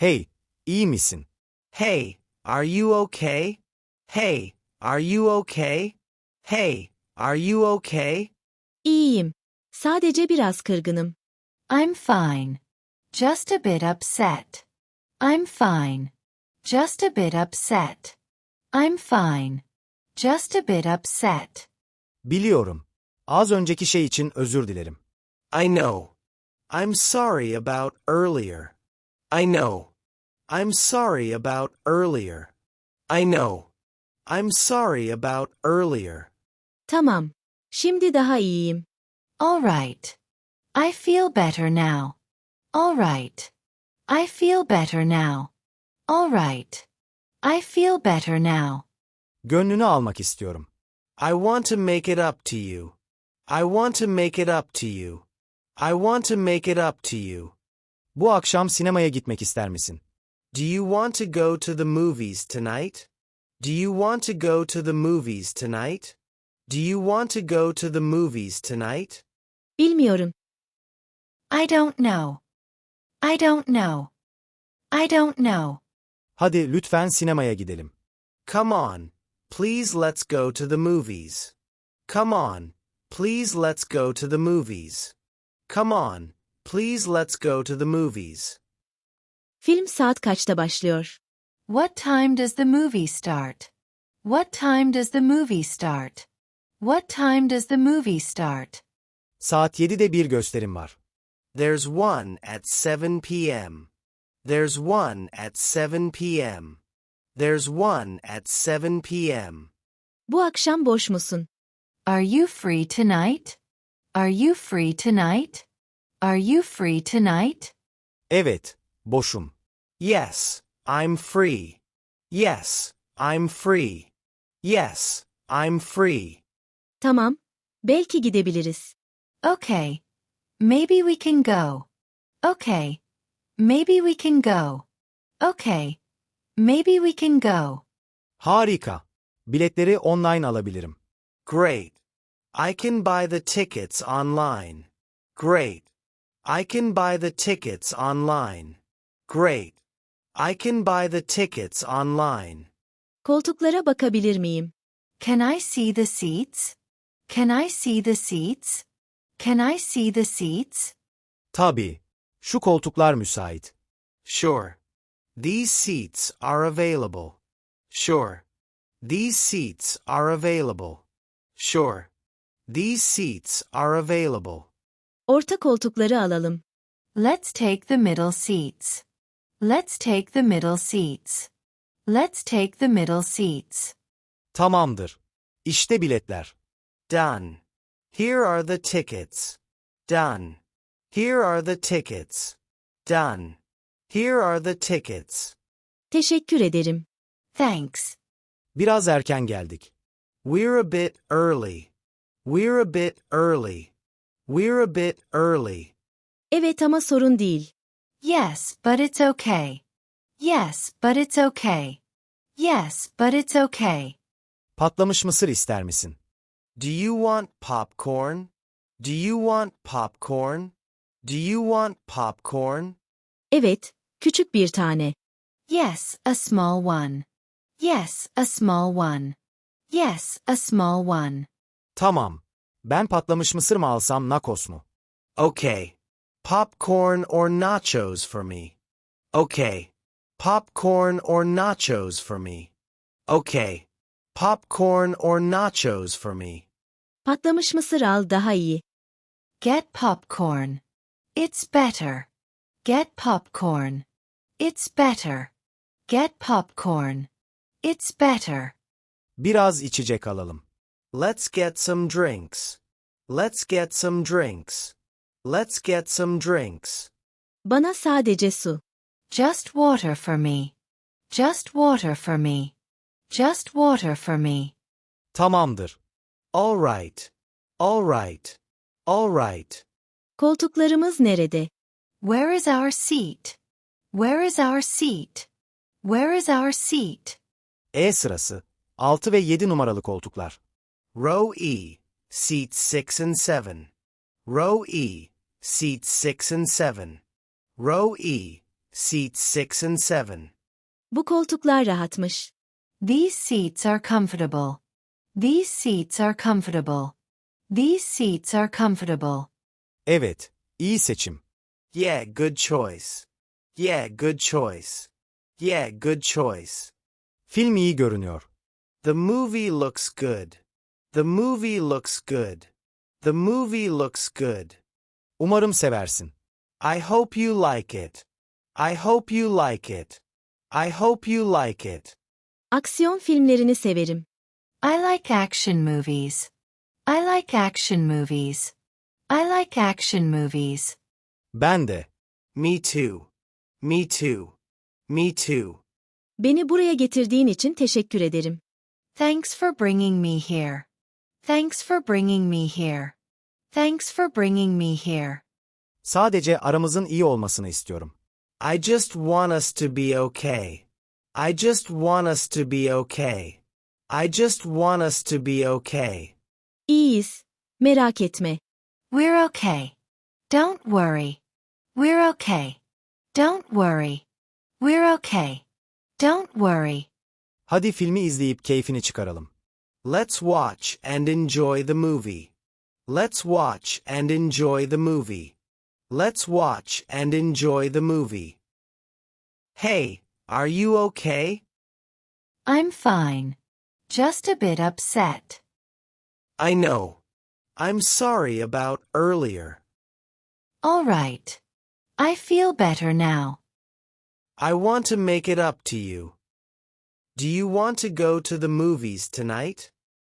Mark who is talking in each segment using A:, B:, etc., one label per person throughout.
A: Hey, iyi misin?
B: Hey, are you okay? Hey, are you okay? Hey, are you okay?
C: İyiyim. Sadece biraz kırgınım.
D: I'm fine. Just a bit upset. I'm fine. Just a bit upset. I'm fine. Just a bit upset.
A: Biliyorum. Az önceki şey için özür dilerim.
B: I know. I'm sorry about earlier. I know. I'm sorry about earlier. I know. I'm sorry about earlier.
C: Tamam. Şimdi daha iyiyim.
D: All right. I feel better now. All right. I feel better now. All right. I feel better now.
A: Gönlünü almak istiyorum.
B: I want to make it up to you. I want to make it up to you. I want to make it up to you.
A: Bu akşam sinemaya gitmek ister misin?
B: Do you want to go to the movies tonight? Do you want to go to the movies tonight? Do you want to go to the movies tonight?
C: Bilmiyorum.
D: I don't know. I don't know. I don't know.
A: Hadi lütfen sinemaya gidelim.
B: Come on, please let's go to the movies. Come on, please let's go to the movies. Come on, please let's go to the movies.
C: Film saat kaçta başlıyor?
D: What time does the movie start? What time does the movie start? What time does the movie start?
A: Saat 7'de bir gösterim var.
B: There's one at 7 p.m. There's one at 7 p.m. There's one at 7 p.m.
C: Bu akşam boş musun?
D: Are you free tonight? Are you free tonight? Are you free tonight?
A: Evet, boşum.
B: Yes, I'm free. Yes, I'm free. Yes, I'm free.
C: Tamam. Belki gidebiliriz.
D: Okay. Maybe we can go. Okay. Maybe we can go. Okay. Maybe we can go.
A: Harika. Biletleri online alabilirim.
B: Great. I can buy the tickets online. Great. I can buy the tickets online. Great. I can buy the tickets online.
C: Koltuklara bakabilir miyim?
D: Can I see the seats? Can I see the seats? Can I see the seats?
A: Tabii. Şu koltuklar müsait.
B: Sure. These seats are available. Sure. These seats are available. Sure. These seats are available.
C: Orta koltukları alalım.
D: Let's take the middle seats. Let's take the middle seats. Let's take the middle seats.
A: Tamamdır. İşte biletler.
B: Done. Here are the tickets. Done. Here are the tickets. Done. Here are the tickets.
C: Teşekkür ederim.
D: Thanks.
A: Biraz erken geldik.
B: We're a bit early. We're a bit early. We're a bit early.
C: Evet ama sorun değil.
D: Yes, but it's okay. Yes, but it's okay. Yes, but it's okay.
A: Patlamış mısır ister misin?
B: Do you want popcorn? Do you want popcorn? Do you want popcorn?
C: Evet, küçük bir tane.
D: Yes, a small one. Yes, a small one. Yes, a small one.
A: Tamam. Ben patlamış mısır mı alsam nachos mu?
B: Okay. Popcorn or nachos for me. Okay. Popcorn or nachos for me. Okay. Popcorn or nachos for me.
C: Patlamış mısır al daha iyi.
D: Get popcorn. It's better. Get popcorn. It's better. Get popcorn. It's better.
A: Biraz içecek alalım.
B: Let's get some drinks. Let's get some drinks. Let's get some drinks.
C: Bana sadece su.
D: Just water for me. Just water for me. Just water for me.
A: Tamamdır.
B: All right. All right. All right.
C: Koltuklarımız nerede?
D: Where is our seat? Where is our seat? Where is our seat?
A: E sırası. 6 ve 7 numaralı koltuklar.
B: Row E, seats 6 and 7. Row E, seats 6 and 7. Row E, seats 6 and 7.
C: Bu koltuklar rahatmış.
D: These seats are comfortable. These seats are comfortable. These seats are comfortable.
A: Evet, iyi seçim.
B: Yeah, good choice. Yeah, good choice. Yeah, good choice.
A: Film iyi görünüyor.
B: The movie looks good. The movie looks good. The movie looks good.
A: Umarım seversin.
B: I hope you like it. I hope you like it. I hope you like it.
C: Aksiyon filmlerini severim.
D: I like action movies. I like action movies. I like action movies.
A: Ben de.
B: Me too. Me too. Me too.
C: Beni buraya getirdiğin için teşekkür ederim.
D: Thanks for bringing me here. Thanks for bringing me here. Thanks for bringing me here.
A: Sadece aramızın iyi olmasını istiyorum.
B: I just want us to be okay. I just want us to be okay. I just want us to be okay.
C: İyiyiz. Merak etme.
D: We're okay. Don't worry. We're okay. Don't worry. We're okay. Don't worry.
A: Hadi filmi izleyip keyfini çıkaralım.
B: Let's watch and enjoy the movie. Let's watch and enjoy the movie. Let's watch and enjoy the movie. Hey, are you okay?
D: I'm fine. Just a bit upset.
B: I know. I'm sorry about earlier.
D: All right. I feel better now.
B: I want to make it up to you. Do you want to go to the movies tonight?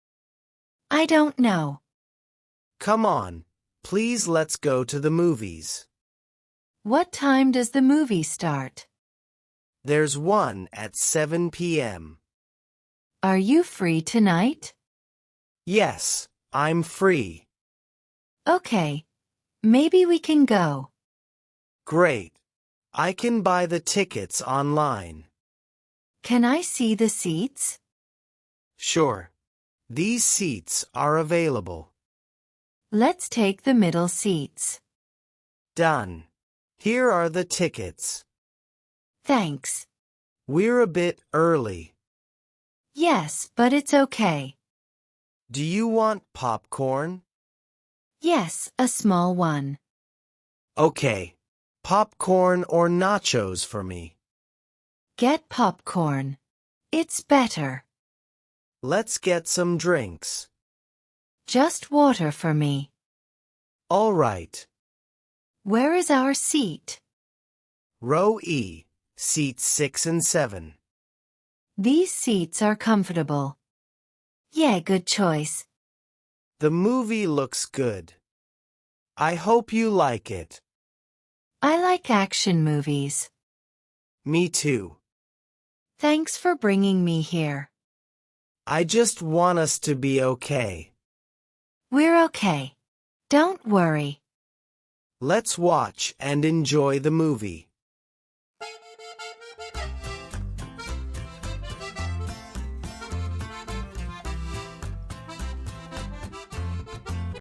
D: I don't know.
B: Come on, please let's go to the movies.
D: What time does the movie start?
B: There's one at 7 p.m.
D: Are you free tonight?
B: Yes, I'm free.
D: Okay. Maybe we can go.
B: Great. I can buy the tickets online.
D: Can I see the seats?
B: Sure. These seats are available.
D: Let's take the middle seats.
B: Done. Here are the tickets.
D: Thanks.
B: We're a bit early.
D: Yes, but it's okay.
B: Do you want popcorn?
D: Yes, a small one.
B: Okay. Popcorn or nachos for me.
D: Get popcorn. It's better.
B: Let's get some drinks.
D: Just water for me.
B: All right.
D: Where is our seat?
B: Row E, seats 6 and 7.
D: These seats are comfortable. Yeah, good choice.
B: The movie looks good. I hope you like it.
D: I like action movies.
B: Me too.
D: Thanks for bringing me here.
B: I just want us to be okay.
D: We're okay. Don't worry.
B: Let's watch and enjoy the movie.